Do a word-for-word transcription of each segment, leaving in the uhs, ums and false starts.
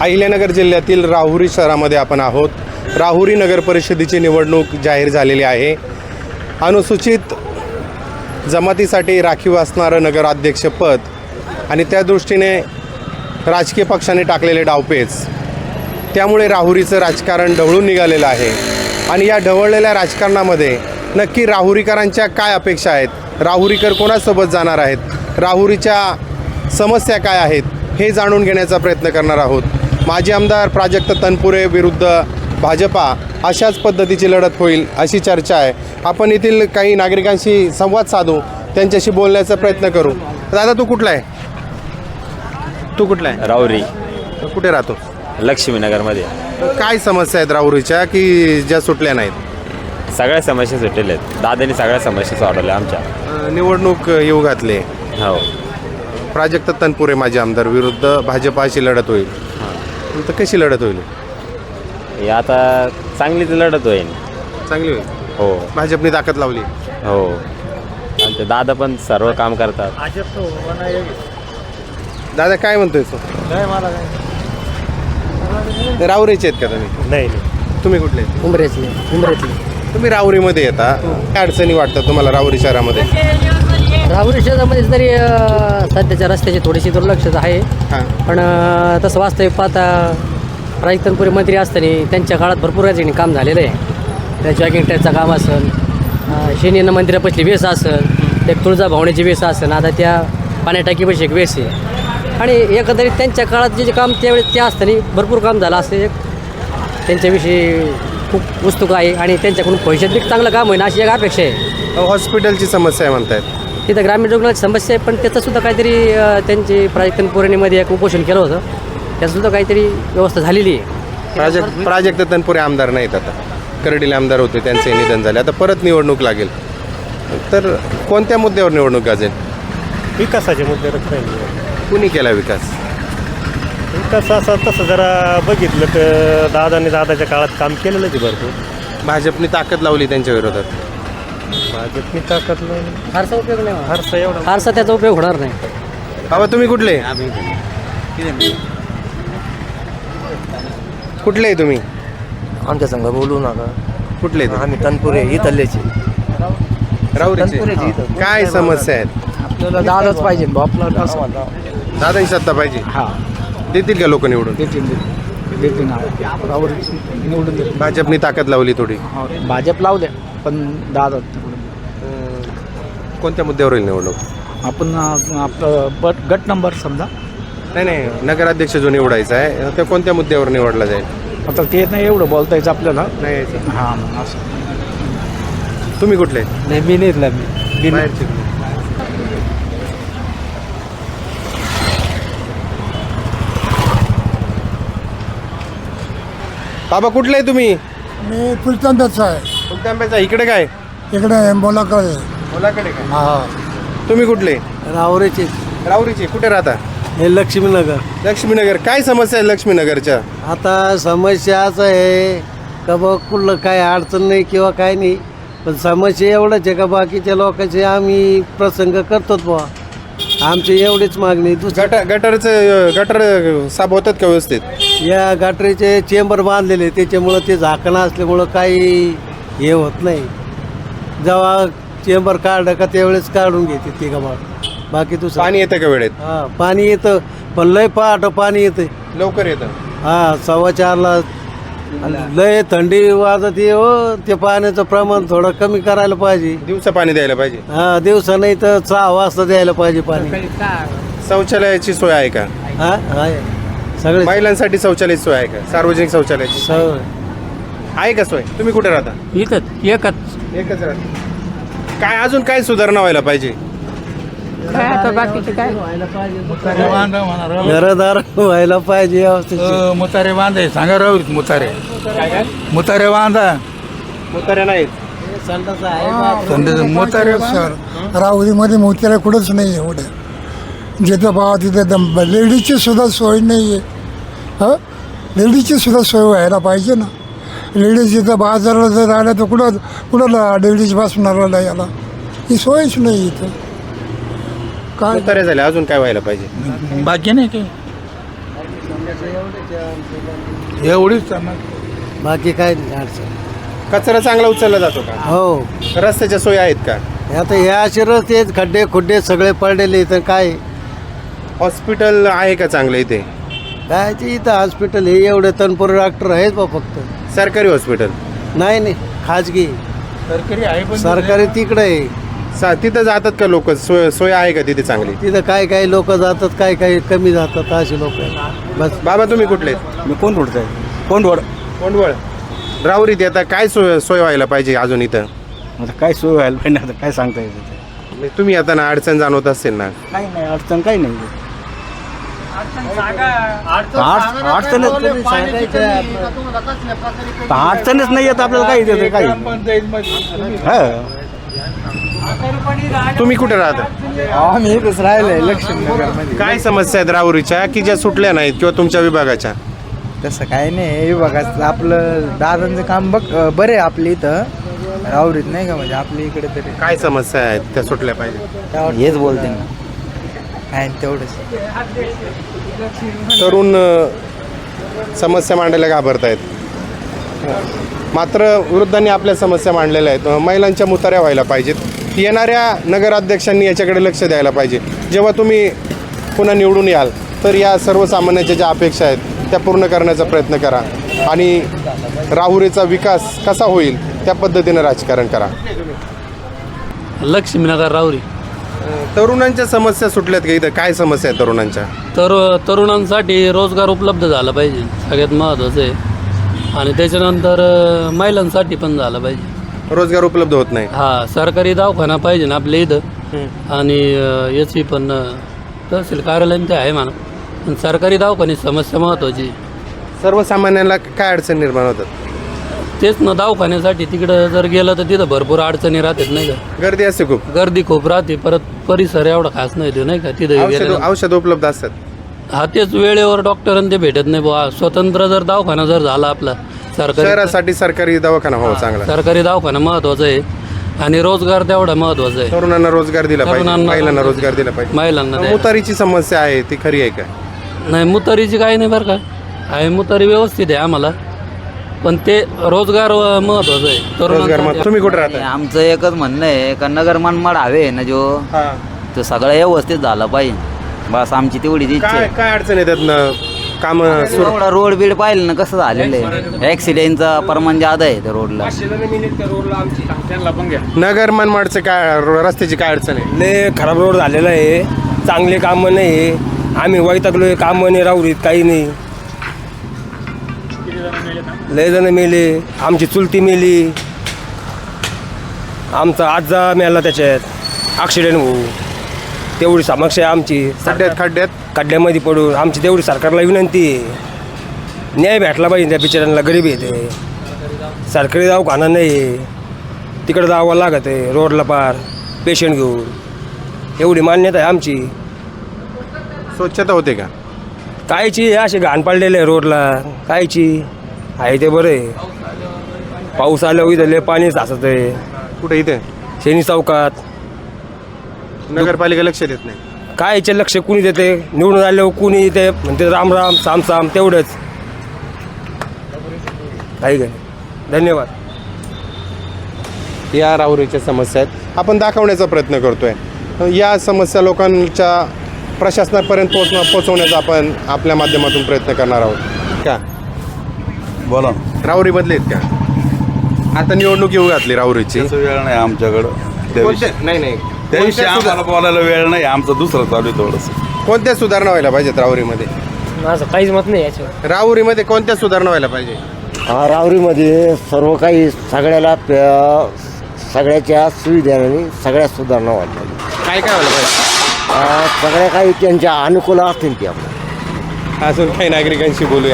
अहिल्यानगर जिल्ह्यातील राहुरी शहरामध्ये आपण आहोत. राहुरी नगर परिषदेची निवडणूक जाहीर झालेली आहे. अनुसूचित जमातीसाठी राखीव असणारं नगराध्यक्षपद आणि त्या दृष्टीने राजकीय पक्षाने टाकलेले डावपेच, त्यामुळे राहुरीचं राजकारण ढवळून निघालेलं आहे. आणि या ढवळलेल्या राजकारणामध्ये नक्की राहुरीकरांच्या काय अपेक्षा आहेत, राहुरीकर कोणासोबत जाणार आहेत, राहुरीच्या समस्या काय आहेत, हे जाणून घेण्याचा प्रयत्न करणार आहोत. माजी आमदार प्राजक्त तनपुरे विरुद्ध भाजपा अशाच पद्धतीची लढत होईल अशी चर्चा आहे. आपण येथील काही नागरिकांशी संवाद साधू, त्यांच्याशी बोलण्याचा प्रयत्न करू. दादा, तू कुठला आहे? तू कुठला आहे? राहुरी. कुठे राहतो? लक्ष्मीनगरमध्ये. काय समस्या आहेत राहुरीच्या की ज्या सुटल्या नाहीत? सगळ्या समस्या सुटलेल्या आहेत. दादांनी सगळ्या समस्या सोडवल्या आमच्या. निवडणूक येऊ घातले. हो. प्राजक्त तनपुरे माजी आमदार विरुद्ध भाजपाची लढत होईल. तर कशी लढत होईल? हे आता चांगलीच लढत होईल. चांगली होईल. हो भाजपने ताकद लावली. हो. आमचे दादा पण सर्व काम करतात. दादा, काय म्हणतोय तू? राहुरीचे आहेत का तुम्ही? नाही तुम्ही कुठले? उमरेतली उमरेतली तुम्ही राहुरीमध्ये येता. काय अडचणी वाटतात तुम्हाला राहुरी शहरामध्ये? राहुरी शहरामध्ये तरी अं, सध्याच्या रस्त्याची थोडीशी दुर्लक्षच आहे. हां. पण अं, तसं वास्तविक पाहता प्राजक्त तनपुरे मंत्री असताना त्यांच्या काळात भरपूर याची काम झालेलं आहे. त्या जॉगिंग ट्रॅकचं काम असेल, शनीनं मंदिरापासली वेस असेल, एक तुळजाभवानीची वेस असेल, आता त्या पाण्याटाकीपाशी एक वेस आहे. आणि एकंदरीत त्यांच्या काळात जे जे काम त्यावेळेस त्या असताना भरपूर काम झालं असं एक त्यांच्याविषयी खूप उत्सुक आहे. आणि त्यांच्याकडून भविष्यात बी चांगलं काम होईल अशी एक अपेक्षा आहे. हॉस्पिटलची समस्या आहे म्हणतायत. तिथं ग्रामीण रुग्णालयाची समस्या आहे, पण त्याचंसुद्धा काहीतरी अं, त्यांची प्राजक्त पौर्णिमेमध्ये एक उपोषण केलं होतं, त्याचंसुद्धा काहीतरी व्यवस्था झालेली आहे. प्राजक्त प्राजक्त तनपुरे आमदार नाहीत आता. करडीले आमदार होते, त्यांचे निधन झाले. आता परत निवडणूक लागेल. तर कोणत्या मुद्द्यावर निवडणूक गाजेल? विकासाच्या मुद्द्यावर राहिली. कुणी केला विकास? विकास असा तसं जरा बघितलं तर दादाने दादाच्या काळात काम केलेलंच आहे भरपूर. भाजपने ताकद लावली त्यांच्या विरोधात. भाजपनी ताकद लावली. फारसा उपयोग नाही होणार. फारसा एवढा फारसा त्याचा उपयोग होणार नाही. बाबा, तुम्ही कुठले? कुठले आहे तुम्ही? आमच्या संघ बोलू नका. कुठले आहे? आम्ही तनपुरे इथलेचे. राहुरीचे. तनपुरेचे इथं. काय समस्या आहेत? आपल्याला दादाच पाहिजे बा, आपला दादाही सत्ता पाहिजे. हा देतील का लोक निवडून? देतील देतील निवडून देतील. भाजपने ताकद लावली थोडी. भाजप लावू द्या, पण दादा कोणत्या मुद्द्यावर होईल निवडणूक? आपण आपलं बट गट नंबर समजा. नाही नाही, नगराध्यक्ष जो निवडायचा आहे ते कोणत्या मुद्द्यावर निवडला जाईल? आता ते नाही एवढं बोलता यायचं आपल्याला. नाही यायचं. हां असं. तुम्ही कुठले? नाही मी नाही मी बाहेरचे. बाबा, कुठले आहे तुम्ही? मी फुलतांब्याचा आहे. फुलतांब्याचा. इकडे काय? इकडे बोलाकडे. मुलाकडे का? हा. तुम्ही कुठले? राहुरीचे. राहुरीचे. कुठे राहता? हे लक्ष्मीनगर. लक्ष्मीनगर. काय समस्या आहे लक्ष्मीनगरच्या? आता समस्या असं आहे का बा, कुठलं काय अडचण नाही किंवा काय नाही, पण समस्या एवढंच आहे का बाकीच्या लोकांचे आम्ही प्रसंग करतोच बुवा. आमची एवढीच मागणी. दुसरं गटर गटरचं गटर साफ होतात का व्यवस्थित? या गटरीचे चेंबर बांधलेले, त्याच्यामुळं ते झाकणं असल्यामुळं काही हे होत नाही. जेव्हा चेंबर काढलं का त्यावेळेस काढून घेते ते का बा. बाकी दुसरं पाणी येतं का वेळेत? हां पाणी येतं, पण लय पहाट पाणी येतं. लवकर येतं. हां सव्वा चारला लय थंडी वाजते हो. ते पाण्याचं प्रमाण थोडं कमी करायला पाहिजे. दिवसा पाणी द्यायला पाहिजे. हा दिवसा नाही तर सहा वाजता द्यायला पाहिजे पाणी. शौचालयाची सोय आहे का? हा आहे सगळे महिलांसाठी शौचालयाची सोय आहे का? सार्वजनिक शौचालयाची सगळं आहे का सोय? तुम्ही कुठे राहता? इथंच एकच एकच राहता. काय अजून काय सुधारणा व्हायला पाहिजे? काय आता बाकीचे काय घरदार व्हायला पाहिजे व्यवस्थित. मुतारे बांधाय सांगा राहुरीत. मुतारे मुतारे बांधा. मुताऱ्या नाहीत. मुतारे राहुरीमध्ये मुतारे कुठंच नाही एवढं. जिथं पाहा तिथं लेडीजची सुद्धा सोय नाही आहे. हां लेडीजची सुद्धा सोय व्हायला पाहिजे ना. लेडीज जिथं बाजाराला जर आल्या तर कुठं कुणाला लेडीज बसणारा याला ही सोयच नाही इथं. काय मुताऱ्या झाल्या, अजून काय व्हायला पाहिजे? बाकी नाही काही. एवढीच बाकी काय नाही अडचण. कचरा चांगला उचलला जातो का? हो रस्त्याच्या सोयी आहेत का? आता ह्या असे रस्ते खड्डे खुड्डे सगळे पडलेले तर काय हॉस्पिटल आहे का चांगलं इथे? काय ते इथं हॉस्पिटल हे एवढे तनपुरे डॉक्टर आहेत बा फक्त. सरकारी हॉस्पिटल नाही नाही खाजगी सरकारी आहे पण सरकारी तिकडे आहे. सा तिथं जातात का लोक? सोय सोय आहे का तिथे चांगली? तिथं काय काय लोक जातात काय काय कमी जातात असे लोक बस. बाबा तुम्ही कुठले? मी कोण रोडचा आहे कोण रोड कोंडवळ. राहुरीत आता काय सोय सोय व्हायला पाहिजे अजून इथं? आता काय सोय व्हायला पाहिजे आता काय सांगता येतं म्हणजे तुम्ही आता ना अडचण जाणवत असेल ना? काही नाही अडचण काही नाही अडचणच अडचणच नाही येत आपल्याला काही देतं काही हा तुम्ही कुठे राहता? आम्ही इथंच राहिलोय लक्ष्मीनगरमध्ये. काय समस्या आहेत राहुरीच्या की ज्या सुटल्या नाहीत किंवा तुमच्या विभागाच्या? तसं काय नाही बघा आपलं दादांचं काम बघ बरे आपल्या इथं राहुरीत नाही का म्हणजे आपल्या इकडे तरी काय समस्या आहेत त्या सुटल्या पाहिजे? हेच बोलते ना काय तेवढंच. तरुण अ, समस्या मांडायला घाबरतायत. मात्र वृद्धांनी आपल्या समस्या मांडलेल्या आहेत. अ, महिलांच्या मुताऱ्या व्हायला पाहिजेत. येणाऱ्या नगराध्यक्षांनी याच्याकडे लक्ष द्यायला पाहिजे. जेव्हा तुम्ही पुन्हा निवडून याल तर या सर्वसामान्यांच्या ज्या अपेक्षा आहेत त्या पूर्ण करण्याचा प्रयत्न करा आणि राहुरीचा विकास कसा होईल त्या पद्धतीनं राजकारण करा. लक्ष्मीनगर राहुरी. तरुणांच्या समस्या सुटल्यात का इथं? काय समस्या आहे तरुणांच्या? तर तरुणांसाठी रोजगार उपलब्ध झाला पाहिजे सगळ्यात महत्त्वाचं आहे आणि त्याच्यानंतर अ, महिलांसाठी पण झालं पाहिजे. रोजगार उपलब्ध होत नाही. हा सरकारी दवाखाना पाहिजे ना आपल्या इथं आणि अ, याची पण अ, तहसील कार्यालय ते आहे म्हणा पण सरकारी दवाखान्याची समस्या महत्त्वाची. सर्वसामान्यांना काय अडचण निर्माण होतात? तेच ना दवाखान्यासाठी तिकडं जर गेलं तर तिथं भरपूर अडचणी राहतात नाही का. गर्दी असते खूप. गर्दी खूप राहते परत परिसर एवढा खास नाही तो नाही का तिथं औषध गेल्यानंतर. औषध उपलब्ध असतात. हा तेच वेळेवर डॉक्टरांना ते भेटत नाही बुवा. स्वतंत्र जर दवाखाना जर झाला आपला सरकारी शहरासाठी सरकारी दवाखाना हो चांगला. सरकारी दवाखाना महत्वाचा आहे आणि रोजगार तेवढा महत्वाचा आहे. तरुणांना रोजगार दिला पाहिजे, तरुणांना महिलांना रोजगार दिला पाहिजे. महिलांना द्यायला. मुतारीची समस्या आहे ती खरी आहे का? नाही मुतारीची काही नाही बरं का आहे मुतारी व्यवस्थित आहे आम्हाला पण ते रोजगार अ, महत्वाचं आहे रोजगार तरुणांसाठी. मग तुम्ही कुठे राहता? आमचं एकच म्हणणं आहे का नगर मनमाड हवे ना जो तो सगळं व्यवस्थित झालं पाहिजे बस आमची तेवढीच इच्छा काय आहे. काय अडचण येतात ना काम सुरू? एवढा रोड बीड पाहिलं ना कसं झालेलं आहे ॲक्सिडेंटचा प्रमाण जादा आहे त्या रोडला. नगर मनमाडचं काय रो- रस्त्याची काय अडचण आहे? लय खराब रोड झालेला आहे चांगले कामं नाही आम्ही वैतागलोय कामं नाही राहुरीत काही नाही लय जण मेले आमची चुलती मेली आमचा आजा मेला त्याच्यात ॲक्सिडेंट होऊ तेवढी समस्या आहे आमची खड्ड्यात खड्ड्यात खड्ड्यामध्ये पडून आमची तेवढी सरकारला विनंती आहे न्याय भेटला पाहिजे त्या बिचाऱ्यांना गरीब येते सरकारी दवाखाना नाही आहे तिकडं जावं लागत आहे रोडला पार पेशंट घेऊन एवढी मान्यता आहे आमची. स्वच्छता होते का? कायची हे असे घाण पडलेले आहे रोडला कायची आहे ते बरं आहे पाऊस आल्यावर इथं लय पाणी साचत आहे कुठे इथे? शेनी चौकात नगरपालिका लक्ष देत नाही. कायचे लक्ष कुणी देते निवडून आल्यावर कुणी येते म्हणते राम राम साम साम तेवढंच काही काय धन्यवाद. या राहुरीच्या समस्या आहेत आपण दाखवण्याचा प्रयत्न करतोय. या समस्या लोकांच्या प्रशासनापर्यंत पोहोचणं पोहोचवण्याचा आपण आपल्या माध्यमातून प्रयत्न करणार आहोत. का बोला राहुरी बदलेत का? आता निवडणूक येऊ घातली राहुरीची. त्याचा वेळ नाही आमच्याकडं त्याविषयी कोणत्या- नाही नाही त्याविषयी कोणत्या आम्हाला सुधा- बोलायला वेळ नाही आमचं दुसरं चालू आहे थोडंसं. कोणत्या सुधारणा व्हायला पाहिजेत राहुरीमध्ये? माझं काहीच मत नाही याच्यावर. राहुरीमध्ये कोणत्या सुधारणा व्हायला पाहिजे? हा राहुरीमध्ये सर्व काही सगळ्याला प्या- सगळ्याच्या सुविधांनी सगळ्या सुधारणा व्हायला काय काय व्हायला पाहिजे? सगळ्या काही त्यांच्या अनुकूल असतील ते आपल्या. अजून काही नागरिकांशी बोलूया.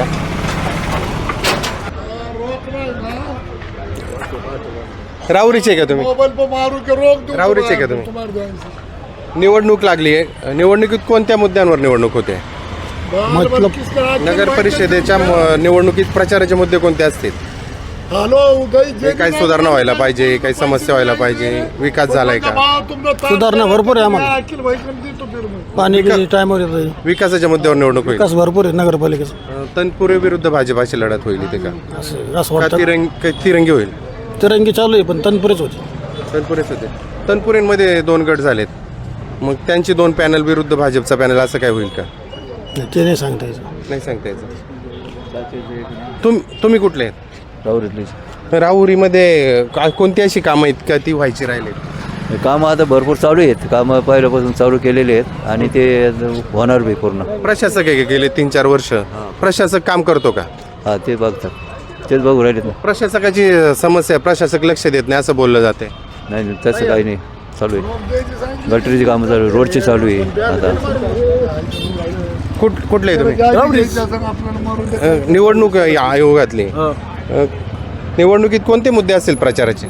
राहुरीचे का तुम्ही? राहुरीचे का तुम्ही? निवडणूक लागली आहे. निवडणुकीत कोणत्या मुद्द्यांवर निवडणूक होते? मतलब नगर परिषदेच्या म- निवडणुकीत प्रचाराचे मुद्दे कोणते असतील? हे काही सुधारणा व्हायला पाहिजे, काही समस्या व्हायला पाहिजे, विकास झालाय का? सुधारणा भरपूर आहे आम्हाला पाणी टायमावर येतं विकासाच्या मुद्द्यावर निवडणूक होईल. विकास भरपूर आहे नगरपालिकेचा अं, तनपुरे विरुद्ध भाजप अशी लढत होईल इथे का? असं असं का वाटतं तिरंग का तिरंगी होईल? तिरंगी चालू आहे पण तनपुरेच होते तनपुरेच होते. तनपुरेंमध्ये दोन गट झालेत, मग त्यांची दोन पॅनल विरुद्ध भाजपचा पॅनल असं काय होईल का? ते नाही सांगता यायचं नाही सांगता यायचं. तुम तुम्ही कुठले आहेत? राहुरीमध्ये का- कोणती अशी कामं आहेत का ती व्हायची राहिलेत? कामं आता भरपूर चालू आहेत. कामं पहिल्यापासून चालू केलेली आहेत आणि ते होणार बी पूर्ण. प्रशासक आहे गेले तीन चार वर्ष, प्रशासक काम करतो का? हा ते बघतात, तेच बघू राहिलेत ना. प्रशासकाची समस्या प्रशासक लक्ष देत नाही असं बोललं जाते. नाही नाही, तसं काही नाही, चालू आहे. गटरीची कामं चालू आहे, रोडची चालू आहे आता. कुठ कुठले आहे तुम्ही? अं, निवडणूक या आयोगातली अं, निवडणुकीत कोणते मुद्दे असतील प्रचाराचे?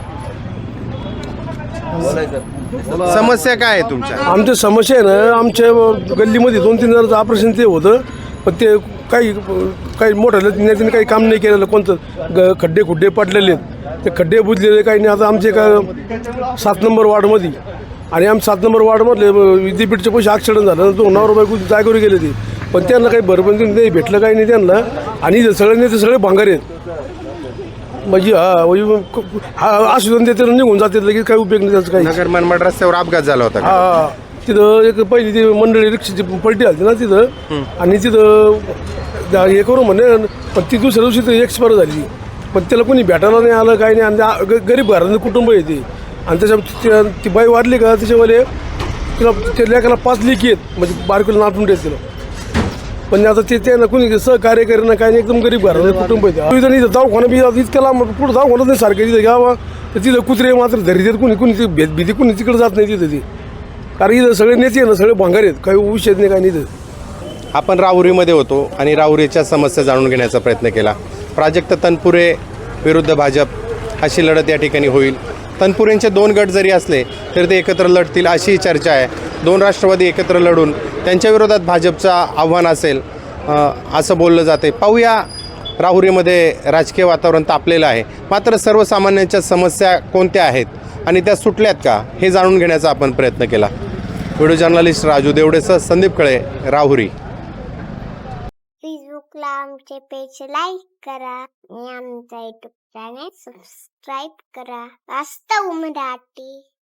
समस्या काय आहे तुमच्या? आमच्या समस्या आहे ना, आमच्या गल्लीमध्ये दोन तीन जणांचं ऑपरेशन ते होतं पण ते काही काही मोठ्या नेत्याने काही काम नाही केलेलं. कोणतं ग खड्डे खुड्डे पडलेले आहेत, ते खड्डे बुजलेले काही नाही. आता आमचे का सात नंबर वार्डमध्ये आणि आम सात नंबर वार्डमधले विद्यापीठचे पैसे ॲक्सिडेंट झालं, तो नऊ रुपये जागेवर गेले ते, पण त्यांना काही भरपण नाही भेटलं, काही नाही त्यांना. आणि इथं सगळे नेते सगळे भांगार आहेत म्हणजे हा म्हणजे हा आश्वासन देते निघून जाते, लगेच काही उपयोग नाही त्याचं काही. नगर मनमाड रस्त्यावर अपघात झाला होता का? हा तिथं एक पहिली ती मंडळी रिक्षाची पलटी आली ना तिथं, आणि तिथं जा- हे करू म्हणे, पण ती दुसऱ्या दिवशी ती एक्सपायर झाली. पण त्याला कोणी भेटायला नाही आलं, काही नाही. आणि आ- ग- गरीब घरातलं कुटुंब येते आणि त्याच्या त्या- ती बाई वाढली का त्याच्यावाले तिला त्या लेकाला पाच लेकी आहेत म्हणजे बारकुला नाटून देत तिला. पण आता ते त्यांना कोणी सहकार्य करेना, काही नाही. एकदम गरीब घरातलं कुटुंब येते. तिथं नाही दवाखाना बी इतकं लांब पुढं दवाखाना नाही सारखं तिथं घ्यावा, तर तिथं कुत्रे मात्र धरी देत कोणी कोणी ती भेद भीती कोणी तिकडे जात नाही तिथं ती. कारण इथं सगळे नेते आहे ना, सगळे भांगार आहेत, काही विषय नाही, काही नाही. आपण राहुरीमध्ये होतो आणि राहुरीच्या समस्या जाणून घेण्याचा प्रयत्न केला. प्राजक्त तनपुरे विरुद्ध भाजप अशी लढत या ठिकाणी होईल. तनपुरेंचे दोन गट जरी असले तरी ते एकत्र लढतील अशी चर्चा आहे. दोन राष्ट्रवादी एकत्र लढून त्यांच्या विरोधात भाजपचं आव्हान असेल अ, असं बोललं जाते. पाहूया, राहुरीमध्ये राजकीय वातावरण तापलेलं आहे, मात्र सर्वसामान्यांच्या समस्या कोणत्या आहेत आणि त्या सुटल्यात का हे जाणून घेण्याचा आपण प्रयत्न केला. व्हिडिओ जर्नलिस्ट राजू देवडेसह संदीप खळे, राहुरी. फेसबुकला आमचे पेज लाईक करा आणि आमचा युट्यूब चॅनेल सबस्क्राईब करा. वास्तव मराठी.